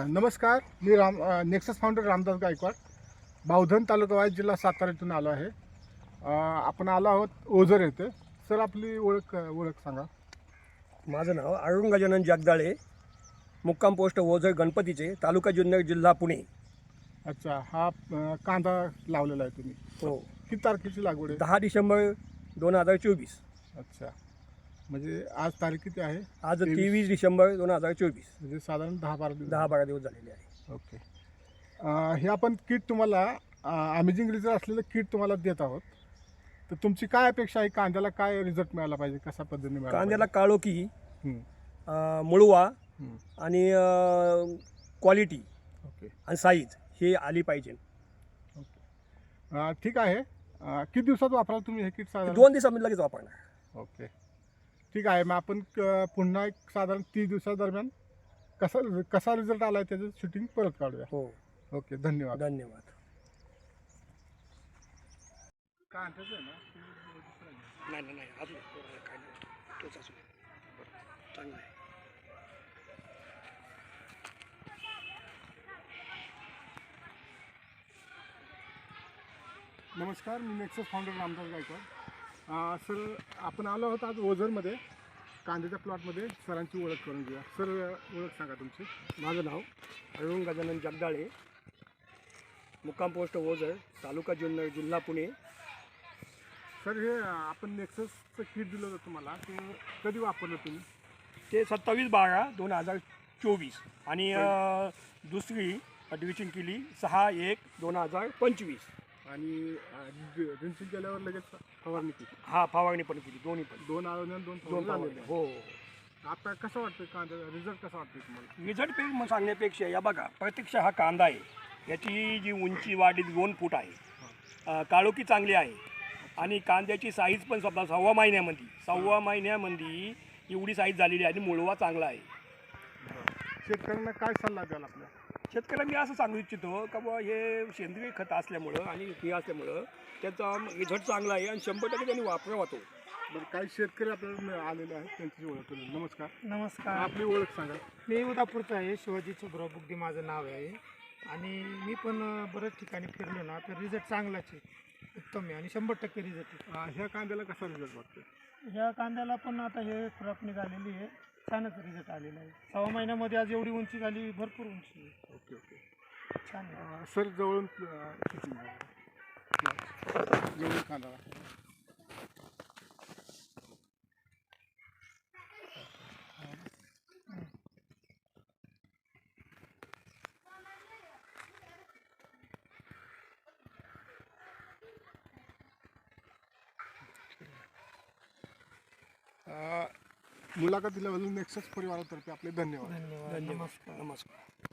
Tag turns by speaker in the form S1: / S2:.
S1: नमस्कार, मी Nexus founder Ramdas Gaikwad, Bavdhan taluka वाईज, जिल्हा सातारा इथून आलो आहे. आपण आलो आहोत ओझर येथे. सर, आपली ओळख सांगा.
S2: माझं नाव अरुण गजानन जगदाळे, मुक्काम पोस्ट ओझर गणपतीचे, तालुका जुन्नर, जिल्हा पुणे.
S1: अच्छा, हा कांदा लावलेला आहे तुम्ही?
S2: हो.
S1: किती तारखेची लागवड आहे?
S2: 10 डिसेंबर 2024.
S1: अच्छा, म्हणजे आज तारीख किती आहे?
S2: आज 23 डिसेंबर 2024.
S1: म्हणजे साधारण 10-12 दिवस.
S2: 10-12 दिवस झालेले आहे.
S1: ओके. हे आपण किट तुम्हाला अमेझिंग रिझल्ट असलेलं किट तुम्हाला देत आहोत. तर तुमची काय अपेक्षा आहे? कांद्याला काय रिझल्ट मिळाला पाहिजे? कशा पद्धतीने मिळाला
S2: कांद्याला काळोखी,
S1: पाहिजे?
S2: मुळवा आणि क्वालिटी
S1: ओके
S2: आणि साईज हे आली पाहिजे.
S1: ओके, ठीक आहे. किती दिवसात वापराल तुम्ही हे किट? साधारण
S2: 2 दिवसामध्ये लगेच वापरणार.
S1: ओके, ठीक आहे. मग आपण पुन्हा एक साधारण 30 दिवसादरम्यान कसा रिझल्ट आला आहे त्याचं शूटिंग परत काढूया.
S2: हो.
S1: ओके, धन्यवाद.
S2: धन्यवाद.
S1: काय ना
S2: नाही अजून काय तोच असून चांगला आहे.
S1: नमस्कार, मी Nexus founder Ramdas Gaikwad. Sir, आपण आलो आहोत आज ओझरमध्ये कांद्याच्या प्लॉटमध्ये. सरांची ओळख करून घेऊया. सर, ओळख सांगा तुमची.
S2: माझं नाव अरुण गजानन जगदाळे, मुक्काम पोस्ट ओझर, तालुका जुन्नर, जिल्हा पुणे.
S1: सर, हे आपण नेक्ससचं किट दिलं होतं तुम्हाला, ते कधी वापरलं तुम्ही?
S2: ते 27/12/2024 आणि दुसरी ड्रिचिंग केली 6/1/2025.
S1: आणि ड्रिंचिंग केल्यावर लगेच फवारणी केली?
S2: हा, फवारणी पण केली, दोन्ही पण.
S1: 2 आळवण्या 2
S2: दोन
S1: झालेले.
S2: हो.
S1: आता कसं वाटतं कांदा रिझल्ट कसा वाटतं तुम्हाला?
S2: रिझल्ट मग सांगण्यापेक्षा या बघा, प्रत्यक्ष हा कांदा आहे, याची जी उंची वाढी 2 फूट आहे, काळोखी चांगली आहे आणि कांद्याची साईज पण स्वतः 6 महिन्यामध्ये एवढी साईज झालेली आहे आणि मुळवा चांगला आहे.
S1: शेतकऱ्यांना काय सल्ला द्याल आपल्या?
S2: शेतकऱ्यांना मी असं सांगू इच्छितो का बुवा, हे सेंद्रिय खत असल्यामुळं आणि हे असल्यामुळं त्याचा रिझल्ट चांगला आहे आणि 100% त्यांनी वापरावा तो.
S1: बरं, काही शेतकरी आपल्याला आलेले आहेत, त्यांची ओळख करून. नमस्कार.
S3: नमस्कार,
S1: आपली ओळख सांगा.
S3: मी उदापूरचा आहे. शिवाजी सुब्राव बुगदी माझं नाव आहे. आणि मी पण बऱ्याच ठिकाणी फिरलो ना, तर रिझल्ट चांगलाच आहे, उत्तम आहे आणि 100% रिझल्ट आहे.
S1: ह्या कांद्याला कसा रिझल्ट वाटतो?
S3: ह्या कांद्याला पण आता हे क्रॉप निघालेली आहे, छानच रिझल्ट आलेला आहे. 6 महिन्यामध्ये आज एवढी उंची झाली, भरपूर उंची आहे.
S1: ओके ओके,
S3: छान आहे.
S1: सर, जवळून जवळून कांदा. मुलाखत दिल्याबद्दल नेक्सस परिवारातर्फे आपले धन्यवाद.
S3: धन्यवाद. नमस्कार.
S2: नमस्कार.